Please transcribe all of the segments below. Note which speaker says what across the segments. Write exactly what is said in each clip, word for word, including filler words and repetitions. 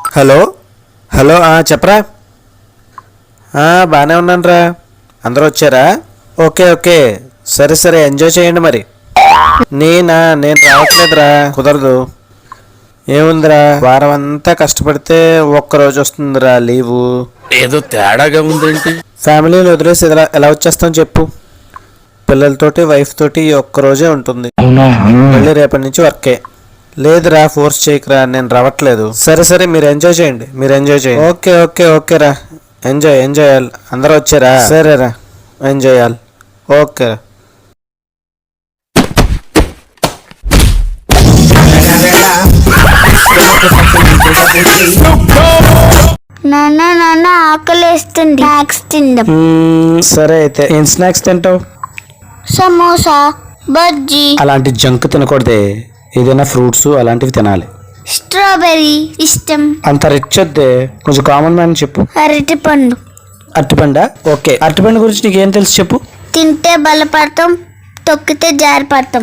Speaker 1: Hello hello చెప్పరా. బాగానే ఉన్నాను రా. అందరూ వచ్చారా? ఓకే ఓకే సరే సరే ఎంజాయ్ చేయండి. మరి నేనా నేను రావట్లేదురా, కుదరదు. ఏముందిరా, వారం అంతా కష్టపడితే ఒక్కరోజు వస్తుందిరా లీవు.
Speaker 2: ఏదో తేడాగా ఉందేంటి?
Speaker 1: ఫ్యామిలీని వదిలేసి ఎలా ఎలా వచ్చేస్తాం చెప్పు. పిల్లలతోటి వైఫ్ తోటి ఒక్కరోజే ఉంటుంది, మళ్ళీ రేపటి నుంచి వర్కే. లేదురా ఫోర్స్ చేయకురా, నేను రావట్లేదు. సరే సరే మీరు ఎంజాయ్ చేయండి, మీరు ఎంజాయ్ చేయండి. ఓకే ఓకే ఓకే రా, ఎంజాయ్ ఎంజాయ్ చేయాలి. అందరూ వచ్చారా? సరేరా ఎంజాయ్ చేయాలి. ఓకే రా.
Speaker 3: నాన్న నాన్న ఆకలేస్తుంది, స్నాక్స్ తిందాం.
Speaker 1: సరే అయితే ఏం స్నాక్స్ తింటావు?
Speaker 3: సమోసా, బజ్జీ.
Speaker 1: అలాంటి జంక్ తినకూడదే, ఏదైనా ఫ్రూట్స్ అలాంటివి తినాలి.
Speaker 3: స్ట్రాబెర్రీ ఇష్టం.
Speaker 1: అంత రిచ్ వద్దే, కొంచెం కామన్ మ్యాన్ చెప్పు.
Speaker 3: అరటి పండు.
Speaker 1: అరటిపండా? ఓకే, అరటిపండు గురించి నీకేం తెలుసు చెప్పు.
Speaker 3: తింటే బలపడతాం, తొక్కితే జారి పడతాం.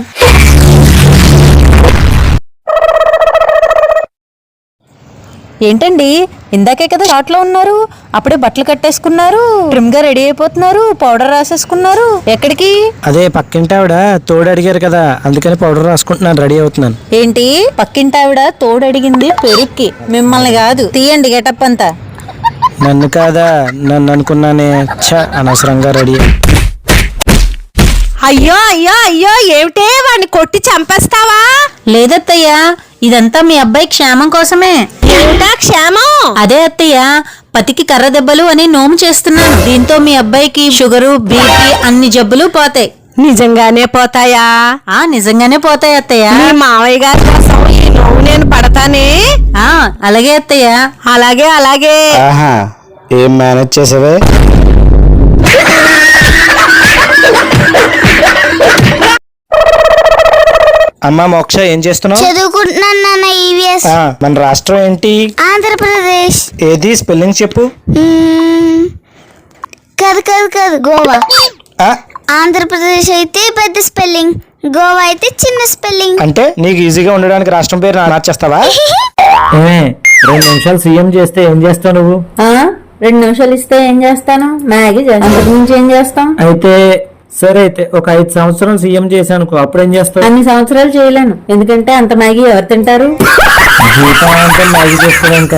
Speaker 4: ఏంటండి, ఇందాకే కదా షార్ట్ లో ఉన్నారు, అప్పుడే బట్టలు కట్టేసుకున్నారు, ట్రిమ్ గా రెడీ అయిపోతున్నారు, పౌడర్ రాసేసుకున్నారు. ఎక్కడికి?
Speaker 1: అదే పక్కింటి ఆవిడ తోడు అడిగారు కదా, అందుకని పౌడర్ రాసుకుంటున్నాను, రెడీ అవుతున్నాను.
Speaker 4: ఏంటి, పక్కింటి ఆవిడ తోడు అడిగింది పెరుక్కి, మిమ్మల్ని కాదు. తీయండి గెటప్ అంతా.
Speaker 1: నన్ను కాదా, నన్ను అనుకున్నానే. ఛ, అనవసరంగా రెడీ.
Speaker 5: అయ్యో అయ్యో అయ్యో ఏమిటే, వాడిని కొట్టి చంపేస్తావా?
Speaker 4: లేదత్తయ్యా, ఇదంతా మీ అబ్బాయి క్షేమం కోసమే.
Speaker 5: ఏమిటా క్షేమం?
Speaker 4: అదే అత్తయ్య, పతికి కర్ర దెబ్బలు అని నోము చేస్తున్నాను. దీంతో మీ అబ్బాయికి షుగరు, బీపీ అన్ని జబ్బులు పోతాయి.
Speaker 5: నిజంగానే పోతాయా?
Speaker 4: ఆ నిజంగానే పోతాయి అత్తయ్య.
Speaker 5: మీ మావయ్య గారి కోసం ఈ నోవు నేను పడతానే.
Speaker 4: ఆ అలాగే అత్తయ్య.
Speaker 5: అలాగే అలాగే.
Speaker 1: ఆహా, ఏం మేనేజ్ చేసావే? అమ్మా మోక్ష, ఏం చేస్తున్నావు?
Speaker 3: చదువుకుంటున్నాను నాన్న. ఈవీఎస్.
Speaker 1: ఆ, మన రాష్ట్రం ఏంటి?
Speaker 3: ఆంధ్రప్రదేశ్.
Speaker 1: ఏది స్పెల్లింగ్ చెప్పు.
Speaker 3: మ్మ్. కాదు కాదు కాదు, గోవా.
Speaker 1: ఆ,
Speaker 3: ఆంధ్రప్రదేశ్ అయితే పెద్ద స్పెల్లింగ్, గోవా అయితే చిన్న స్పెల్లింగ్.
Speaker 1: అంటే నీకు ఈజీగా ఉండడానికి రాష్ట్రం పేరు మార్చేస్తావా? రెండు నిమిషాలు సీఎం చేస్తే ఏం చేస్తావు నువ్వు?
Speaker 4: రెండు నిమిషాలు ఇస్తే ఏం చేస్తాను? మ్యాగీ చేస్తాను. నుంచి ఏం చేస్తాం?
Speaker 1: అయితే సరే, అయితే ఒక ఐదు సంవత్సరం సీఎం చేశాను, అప్పుడు ఏం చేస్తావు?
Speaker 4: అన్ని సంవత్సరాలు చేయలేను, ఎందుకంటే అంత మ్యాగీ ఎవరు తింటారు?
Speaker 1: జీతం అంటే మ్యాగీ చేస్తాను ఇంకా.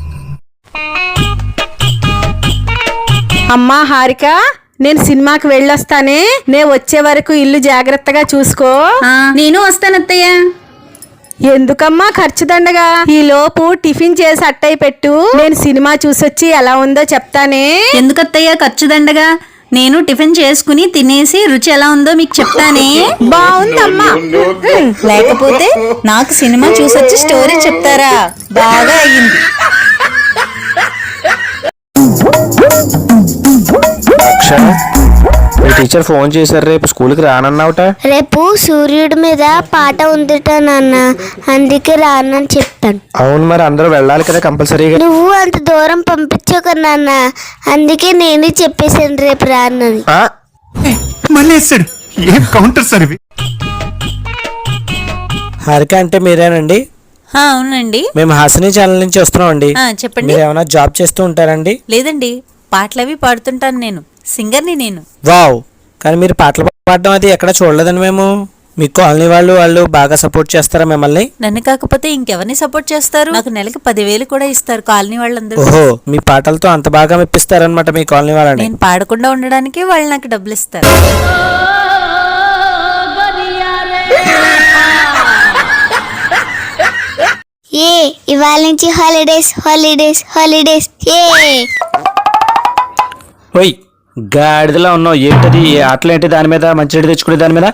Speaker 5: అమ్మా హారిక, నేను సినిమాకి వెళ్ళొస్తానే, నే వచ్చే వరకు ఇల్లు జాగ్రత్తగా చూసుకో.
Speaker 4: నేను వస్తానత్తయ్య.
Speaker 5: ఎందుకమ్మా ఖర్చు దండగా? ఈ లోపు టిఫిన్ చేసి అట్టయి పెట్టు, నేను సినిమా చూసొచ్చి ఎలా ఉందో చెప్తానే.
Speaker 4: ఎందుకత్తయ్య ఖర్చు దండగా? నేను టిఫిన్ చేసుకుని తినేసి రుచి ఎలా ఉందో మీకు చెప్తానే.
Speaker 5: బాగుందమ్మా.
Speaker 4: లేకపోతే నాకు సినిమా చూసొచ్చి స్టోరీ చెప్తారా? బాగా అయ్యింది.
Speaker 1: మీ టీచర్ ఫోన్ చేశారు, రేపు స్కూల్కి రానన్నావుట.
Speaker 3: రేపు సూర్యుడి మీద పాట ఉందిట నాన్న, అందుకే రానని చెప్పాను.
Speaker 1: అవును, మరి అందరూ వెళ్ళాలి కదా కంపల్సరీగా.
Speaker 3: నువ్వు అంత దూరం పంపించక నాన్న, అందుకే నేనే చెప్పేశాను రేపు రానని.
Speaker 6: మళ్ళీ వేస్తాడు. ఏం కౌంటర్ సార్ ఇవి?
Speaker 1: హారిక అంటే మీరేనండి?
Speaker 4: అవునండి,
Speaker 1: మేము హాసిని ఛానల్ నుంచి వస్తున్నాం అండి.
Speaker 4: చెప్పండి.
Speaker 1: మీరు ఏమైనా జాబ్ చేస్తూ ఉంటారండి?
Speaker 4: లేదండి, పాటలవి పాడుతుంటాను, నేను సింగర్ని. నేను
Speaker 1: వావ్, కానీ మీరు పాటలు పాడడం అది ఎక్కడ చూడలేదండి మేము. మీ కాలనీ వాళ్ళు వాళ్ళు బాగా సపోర్ట్ చేస్తారా మిమ్మల్ని?
Speaker 4: నన్ను కాకపోతే ఇంకెవరిని సపోర్ట్ చేస్తారు? నాకు నెలకి పదివేలు కూడా ఇస్తారు కాలనీ వాళ్ళందరూ.
Speaker 1: ఓహో, మీ పాటలతో అంత బాగా మెప్పిస్తారనమాట మీ కాలనీ వాళ్ళని.
Speaker 4: నేను పాడకుండా ఉండడానికి వాళ్ళు నాకు డబ్బులు ఇస్తారు.
Speaker 3: ఏ ఇవాళ నుంచి హాలిడేస్ హాలిడేస్ హాలిడేస్. ఏ
Speaker 1: ఓయ్ గాడిదలా ఉన్నావు, ఏంటది? ఏ ఆటలు ఏంటి దాని మీద, మంచి తెచ్చుకునే దాని మీద?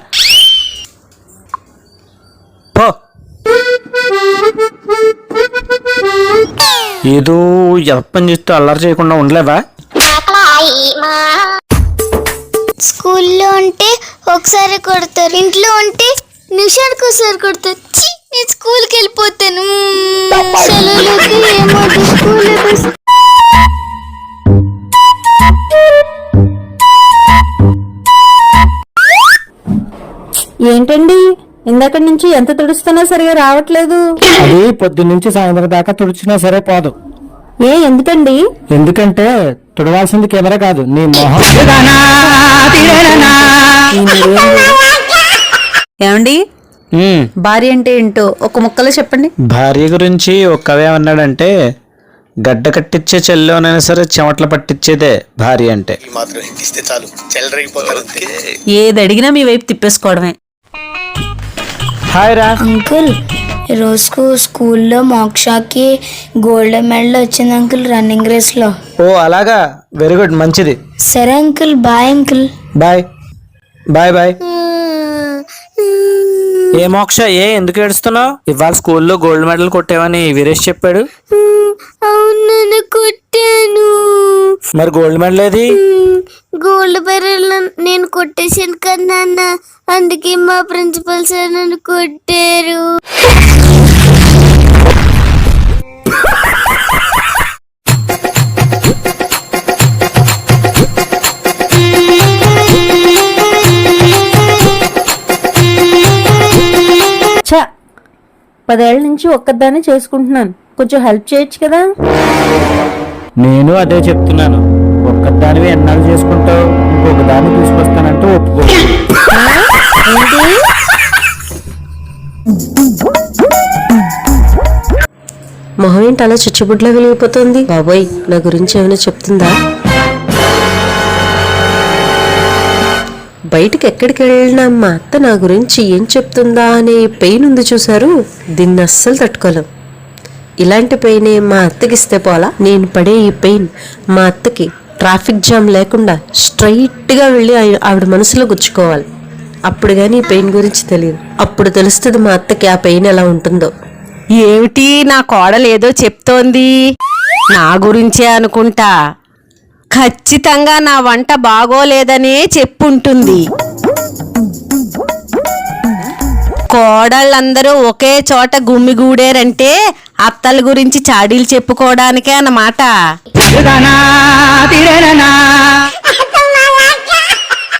Speaker 1: పో. ఏదో ఎప్పని చేస్తూ అల్లరి చేయకుండా ఉండలేవా?
Speaker 3: స్కూల్లో ఉంటే ఒకసారి కొడతారు, ఇంట్లో ఉంటే నిమిషానికి ఒకసారి కొడతారు. ఛీ, నేను స్కూల్కి వెళ్ళిపోతాను. సెలవులకి ఏమో స్కూల్.
Speaker 4: ఏంటండి, ఇందాక ఇందాక నుంచి ఎంత తుడుస్తున్నా సరిగా రావట్లేదు.
Speaker 7: అది పొద్దున్నుంచి సాయంత్రం దాకా తుడిచినా సరే పోదు.
Speaker 4: ఏ ఎందుకండి?
Speaker 7: ఎందుకంటే తుడవాల్సింది కెమెరా కాదు, నీ మొహం.
Speaker 4: ఏమండి,
Speaker 1: ఉమ్,
Speaker 4: భార్య అంటే ఏంటో ఒక ముక్కలో చెప్పండి.
Speaker 1: భార్య గురించి ఒక కవి ఏమన్నాడంటే, గడ్డ కట్టించే చెల్లోనైనా సరే చెమటలు పట్టించేదే భార్య అంటే.
Speaker 4: ఏది అడిగినా మీ వైపు తిప్పేసుకోవడమే.
Speaker 1: హాయ్ రా.
Speaker 3: అంకుల్ రోజుకు స్కూల్లో మోక్షాకి గోల్డ్ మెడల్ వచ్చింది అంకుల్ రన్నింగ్ రేస్లో.
Speaker 1: ఓ అలాగా, వెరీ గుడ్, మంచిది.
Speaker 3: సరే uncle, bye uncle.
Speaker 1: Bye bye bye. ఏ మోక్ష, ఏ ఎందుకు ఏడుస్తున్నావు? ఇవాళ స్కూల్లో గోల్డ్ మెడల్ కొట్టేవని వీరేష్ చెప్పాడు.
Speaker 3: అవును కొట్టాను.
Speaker 1: మరి గోల్డ్ మెడల్ ఏది?
Speaker 3: గోల్డ్ మెడల్ నేను కొట్టేసాను కదా నాన్న, అందుకే మా ప్రిన్సిపల్ సార్ నన్ను కొట్టారు.
Speaker 4: చా, పదేళ్ల నుంచి ఒక్కదాన్ని చేసుకుంటున్నాను, కొంచెం హెల్ప్ చేయొచ్చు కదా.
Speaker 7: నేను అదే చెప్తున్నాను. ఒక్కదానివి ఎన్నాళ్ళు చేసుకుంటావు? ఇంకొక దాన్ని తీసుకొస్తానంటూ ఒప్పుకో.
Speaker 8: మొహం ఏంటి అలా చిచ్చుబుడ్లా వెలిగిపోతుంది? బాబోయ్, నా గురించి ఏమైనా చెప్తుందా? బయటికి ఎక్కడికి వెళ్ళినా మా అత్త నా గురించి ఏం చెప్తుందా అనే పెయిన్ ఉంది చూసారు, దీన్ని అస్సలు తట్టుకోలేం. ఇలాంటి పెయిన్ మా అత్తకిస్తే పోలా. నేను పడే ఈ పెయిన్ మా అత్తకి ట్రాఫిక్ జామ్ లేకుండా స్ట్రైట్గా వెళ్ళి ఆయ- ఆవిడ మనసులో గుచ్చుకోవాలి. అప్పుడు కానీ ఈ పెయిన్ గురించి తెలియదు. అప్పుడు తెలుస్తుంది మా అత్తకి ఆ పెయిన్ ఎలా ఉంటుందో.
Speaker 5: ఏమిటి నా కోడలు ఏదో చెప్తోంది? నా గురించే అనుకుంటా. ఖచ్చితంగా నా వంట బాగోలేదనే చెప్పుంటుంది. కోడళ్ళందరూ ఒకే చోట గుమ్మిగూడారంటే అత్తల గురించి చాడీలు చెప్పుకోవడానికే అన్నమాట.